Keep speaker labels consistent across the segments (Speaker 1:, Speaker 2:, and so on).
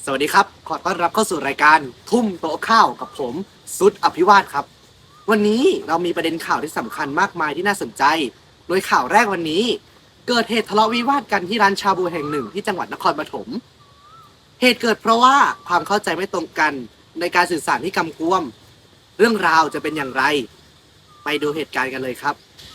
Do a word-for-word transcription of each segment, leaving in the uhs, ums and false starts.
Speaker 1: สวัสดีครับขอต้อนรับเข้าสู่รายการทุ่มโต๊ะข้าวกับผมสุดอภิวาทครับวันนี้เรามีประเด็นข่าวที่สำคัญมากมายที่น่าสนใจโดยข่าวแรกวันนี้เกิดเหตุทะเลาะวิวาทกันที่ร้านชาบูแห่งหนึ่งที่จังหวัดนครปฐมเหตุเกิดเพราะว่าความเข้าใจไม่ตรงกันในการสื่อสารที่กำกวมเรื่องราวจะเป็นอย่างไรไปดูเหตุการณ์กันเลยครับ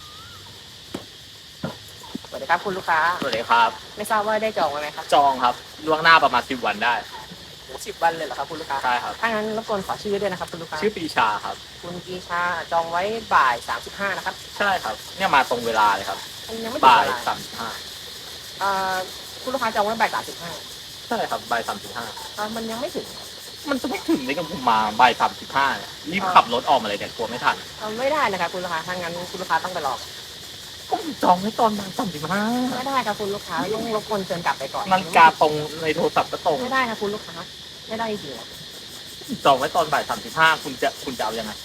Speaker 2: สวัสดีครับคุณลูกค้า
Speaker 3: สวัสดีครับ
Speaker 2: ไม่ทราบว่าได้จองไว้ไหมครับ
Speaker 3: จองครับล่วงหน้าประมาณสิบวันได้
Speaker 2: สิบวันเลยเหรอครับคุณลูกค้า
Speaker 3: ใช่ครับ
Speaker 2: ถ้างั้นรบกวนขอชื่อด้วยนะครับคุณลูกค้า
Speaker 3: ชื่อปีชาครับ
Speaker 2: คุณปีชาจองไว้บ่ายสามสิบห้านะครับ
Speaker 3: ใช่ครับเนี่ยมาตรงเวลาเลยครับ
Speaker 2: มันยังไม่ถึง
Speaker 3: บ่าย
Speaker 2: เวลา
Speaker 3: สามสิบห้า
Speaker 2: อ่าคุณลูกค้าจองไว้บ่ายสามสิบห้า
Speaker 3: ใช่ครับบ่ายสามสิบห้า
Speaker 2: มันยังไม่ถึง
Speaker 3: มันจะไม่ถึงในกับผมมาบ่ายสามสิบห้ารีบขับรถออกมาเลยเนี่ยกลัวไม่ทัน
Speaker 2: ไม่ได้นะครับคุณลูกค้าถ้างั้นคุณลูกค้าต้องไปรอ
Speaker 3: ผมจองไว้ตอนบ่ายสามสิบห้า
Speaker 2: ไม่ได้ครับคุณลูกค้าต้องรบกวนเชิญกลับไปก่อน
Speaker 3: นาฬิกาตรงในโทรศัพท์ก็ตรง
Speaker 2: ไม่ได้ครับคุณลูกค้าไม่ได้จริง
Speaker 3: จองไว้ตอนบ่ายสามสิบห้าคุณจะคุณจะเอายังไง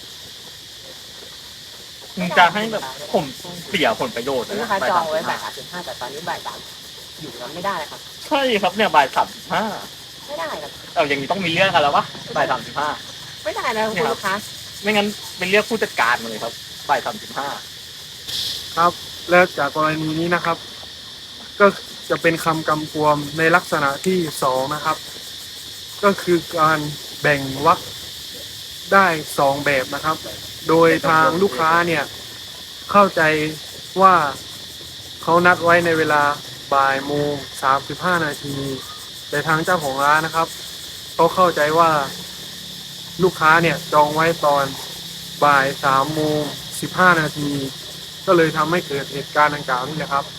Speaker 3: คุณจะให้แบบผมเสียผลประโยชน์
Speaker 2: คุณลูกค้าจองไว้บ่ายสามสิบห้าแต่ตอนนี้บ่ายสามอยู่แล้วไม่ได้ครับ
Speaker 3: ใช่ครับเนี่ยบ่ายสามสิบห้า
Speaker 2: ไม่ได้ครับ
Speaker 3: เอาอย่างนี้ต้องมีเรื่องกันแล้ววะบ่ายสามสิบห้า
Speaker 2: ไม่ได้นะคุณลูกค้า
Speaker 3: ไม่งั้นเป็นเรียกผู้จัดการมาเลยครับบ่ายสามสิบห้า
Speaker 4: ครับแล้วจากกรณีนี้นะครับก็จะเป็นคำกำกวมในลักษณะที่สองนะครับก็คือการแบ่งวรรคได้สองแบบนะครับโดยทางลูกค้าเนี่ยเข้าใจว่าเขานัดไว้ในเวลาบ่ายโมงสามสิบห้านาทีแต่ทางเจ้าของร้านนะครับเขาเข้าใจว่าลูกค้าเนี่ยจองไว้ตอนบ่ายสามโมงสิบห้านาทีก็เลยทำให้เกิดเหตุการณ์ดังกล่าวนี่แหละครับ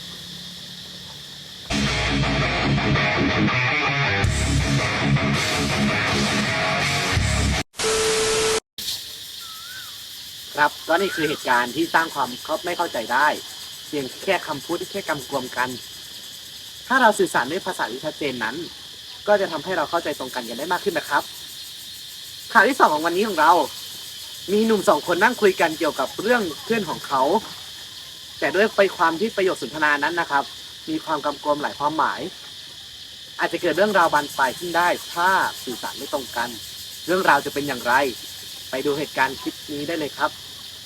Speaker 1: ครับก็นี่คือเหตุการณ์ที่สร้างความไม่เข้าใจได้เพียงแค่คำพูดที่แค่กำกวมกันถ้าเราสื่อสารด้วยภาษาที่ชัดเจนนั้นก็จะทำให้เราเข้าใจตรงกันกันได้มากขึ้นนะครับข่าวที่สองของวันนี้ของเรามีหนุ่มสองคนนั่งคุยกันเกี่ยวกับเรื่องเพื่อนของเขาแต่ด้วยไปความที่ประโยคสนทนานั้นนะครับมีความกำกวมหลายความหมายอาจจะเกิดเรื่องราวบานปลายขึ้นได้ถ้าสื่อสารไม่ตรงกันเรื่องราวจะเป็นอย่างไรไปดูเหตุการณ์คลิปนี้ได้เลยครับ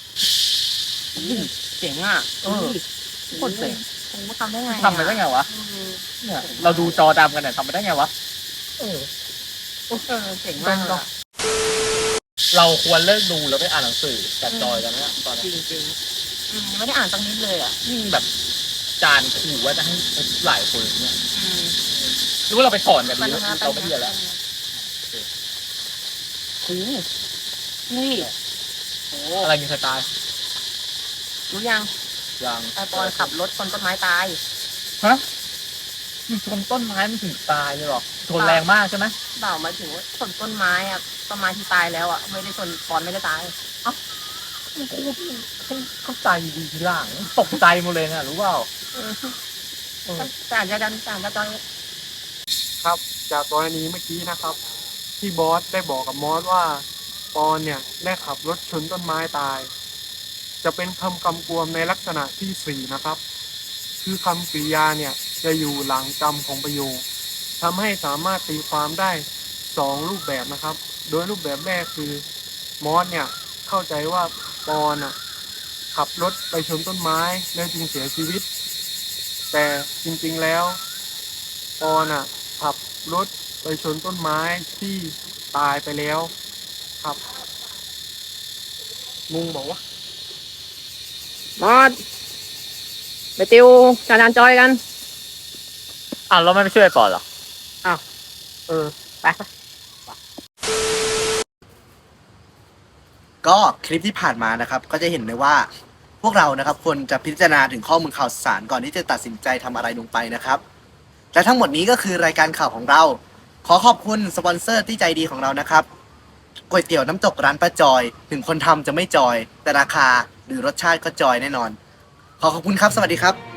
Speaker 2: เจ๋งอ่ะ
Speaker 3: เออโคตรเจ๋ง
Speaker 2: ผมทำได้ไง
Speaker 3: ทำไปได้ไงวะเนี่ยเราดูจอดำกันเนี่ยทำไปได้ไงวะ
Speaker 2: เออเออเจ๋งมาก
Speaker 3: เราควรเลิกดูแล้วไปอ่านหนังสือจัดจอยกันเนี่ยตอนนี้
Speaker 2: จริงๆไม่ได้อ่านตั้งนิดเลยอ่ะ
Speaker 3: ยิ่งแบบจานขู่ว่าจะให้หลายคนเนี่ยรู้ว่าเราไปสอนกันดีเราไม่เรียนแล้ว
Speaker 2: คือนี่
Speaker 3: โอ้อะไรมีใครตาย
Speaker 2: รู้ยัง
Speaker 3: ยัง
Speaker 2: ไอปอนขับรถชนต้นไม้ตาย
Speaker 3: ฮะมันชนต้นไม้มันถึงตายเลยหรอชนแรงมากใช่ไหม
Speaker 2: เปล่าหมายถึงว่าชนต้นไม้อะต้นไม้ที่ตายแล้วอะไม่ได้ชนปอนไม่ได้ตาย
Speaker 3: เอ้ากูเข้าใจดีทีหลังตกใจหมดเลยนะรู้เปล่า
Speaker 2: แต่อาจจะดันแต่อาจจะตอน
Speaker 4: ครับจากกรณีเมื่อกี้นะครับที่บอสได้บอกกับมอสว่าปอนเนี่ยได้ขับรถชนต้นไม้ตายจะเป็นคำกำกวมในลักษณะที่สี่นะครับคือคำกริยาเนี่ยจะอยู่หลังกรรมของประโยคทำให้สามารถตีความได้สองรูปแบบนะครับโดยรูปแบบแรกคือมอสเนี่ยเข้าใจว่าปอนอ่ะขับรถไปชนต้นไม้แล้วจึงเสียชีวิตแต่จริงๆแล้วปอนอ่ะขับรถไปชนต้นไม้ที่ตายไปแล้วครับงงบอกว่
Speaker 2: ามอดไปติวจานจอยกัน
Speaker 3: อ้าวเราไม่ไปช่วยปอนหรอ
Speaker 2: อ้าวเออไป
Speaker 1: ก็คลิปที่ผ่านมานะครับก็จะเห็นเลยว่าพวกเรานะครับควรจะพิจารณาถึงข้อมูลข่าวสารก่อนที่จะตัดสินใจทำอะไรลงไปนะครับและทั้งหมดนี้ก็คือรายการข่าวของเราขอขอบคุณสปอนเซอร์ที่ใจดีของเรานะครับก๋วยเตี๋ยวน้ำตกร้านป้าจอยถึงคนทำจะไม่จอยแต่ราคาหรือรสชาติก็จอยแน่นอนขอขอบคุณครับสวัสดีครับ